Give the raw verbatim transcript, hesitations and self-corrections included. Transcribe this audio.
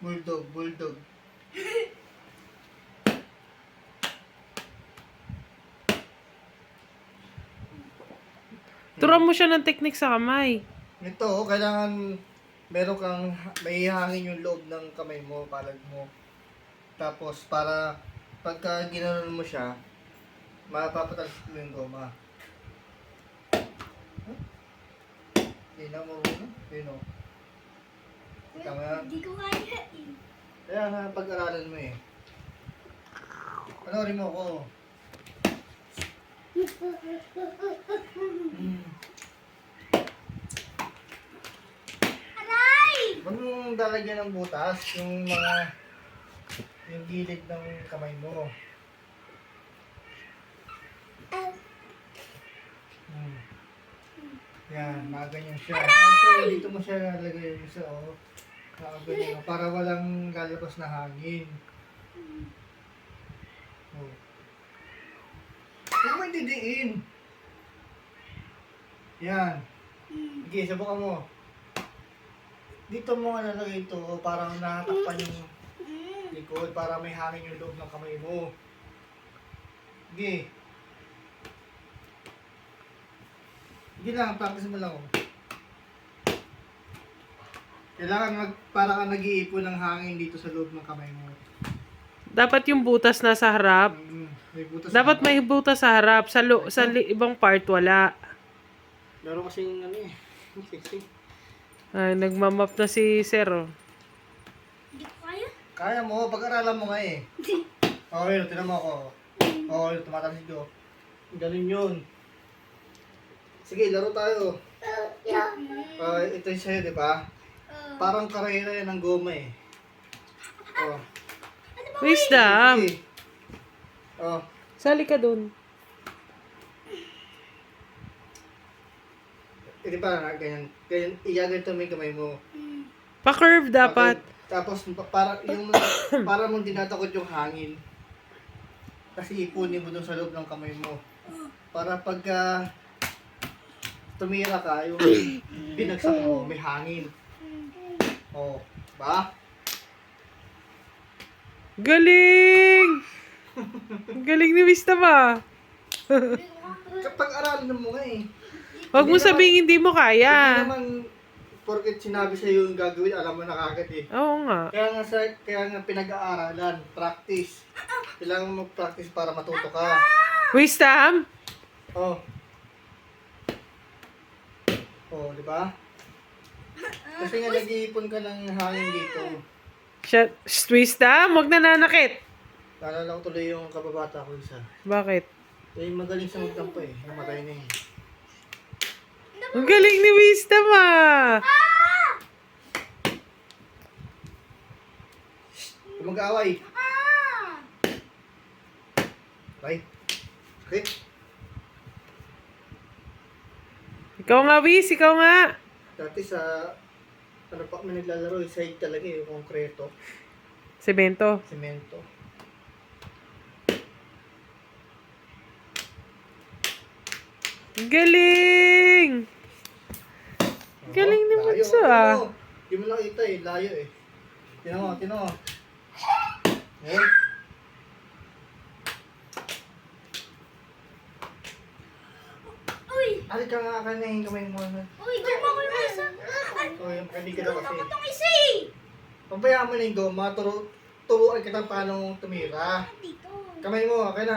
Bulldog, bulldog. Turuan mo siya ng technique sa kamay. Ito, oh, kailangan meron kang may hangin yung loob ng kamay mo, palad mo. Tapos para pagka ginanon mo siya, mapapatalsik mo yung goma. Huh? Hindi na mo muna. Yun o. Tama yan. Hindi ko kaya eh. Kaya nga pag-aralan mo eh. Panoorin mo ako. Hmm. Aray! Huwag mong dalagyan ng butas yung mga yung gilid ng kamay mo. Hmm. Yan, nakaganyan siya. Ito, dito mo siya lalagay yung isa, oh. Nakaganyan, oh, para walang lalabas na hangin. Oh. Huwag mo didiin. Yan. Sige, subukan mo. Dito mo nga nalagay ito, oh, parang nakatakpan yung likod para may hangin yung loob ng kamay mo. Sige. Sige lang, practice mo lang. Oh. Kailangan mag, para ka nag-iipon ng hangin dito sa loob ng kamay mo. Dapat yung butas nasa harap. Mm, may butas Dapat na- may butas sa harap. Sa, lo, sa li, ibang part, wala. Laro kasi yung ano eh. Sexy. Ay, nagmamap na si Sir. Oh. Hindi ko kaya. Kaya mo, pag-aralan mo nga eh. Okay, oh, tinan mo ako. Okay, tumatalsik ko. Galing yun. Sige, laro tayo. Uh, ito yung sa'yo, di ba? Parang karera yan ng goma eh. Oh. Wisdom. Sige. Oh. Sali ka dun. Eh, di ba, na- ganyan. Ganyan, igaganito mo yung kamay mo. Pa-curve dapat. Tapos, pa- para, yung, para mong tinatakot yung hangin. Kasi ipunin mo dun sa loob ng kamay mo. Para pagka tumira ka, yung binagsak mo, may hangin. Oh, ba? Galing! Galing ni Wisdom ah. Kapag aralan mo nga eh. Huwag mo Hindi naman- sabing hindi mo Hindi kaya. naman porket sinabi sa'yo yung gagawin, alam mo na kagad eh. Oo nga. Kaya nga, sa, kaya nga pinag-aaralan, practice. Kailangan mo practice para matuto ka. Wisdom? Oh. Oh, di ba? Kasi nga nag-iipon ka ng hangin dito. Siya, Shh, Wisdom, huwag nananakit. Naalala ko tuloy yung kababata ko isa. Bakit? Eh, magaling sa magtampo eh. Namatay na eh. Ang galing ni Wisdom ah. Huwag mag-aaway. Right? Okay? Ikaw nga, Wis, ikaw nga. Dati sa... Ano pa kami naglalaro, eh, side talaga eh, yung konkreto. Semento. Semento. Ang galing! Galing ni Layo. Bunso, Ano ah. mo? Hindi mo nakita eh, layo eh. Tinan mo, tinan mo. Eh? Uy! Alik ka nga ka na yung kamay mo. Uy! Guma ko yung isa! O, yung hindi ka daw kasi. Ako itong isa eh! Pabayaan mo na yung goma, turo, turuan kita paano tumira. Dito. Kamay mo, okay na.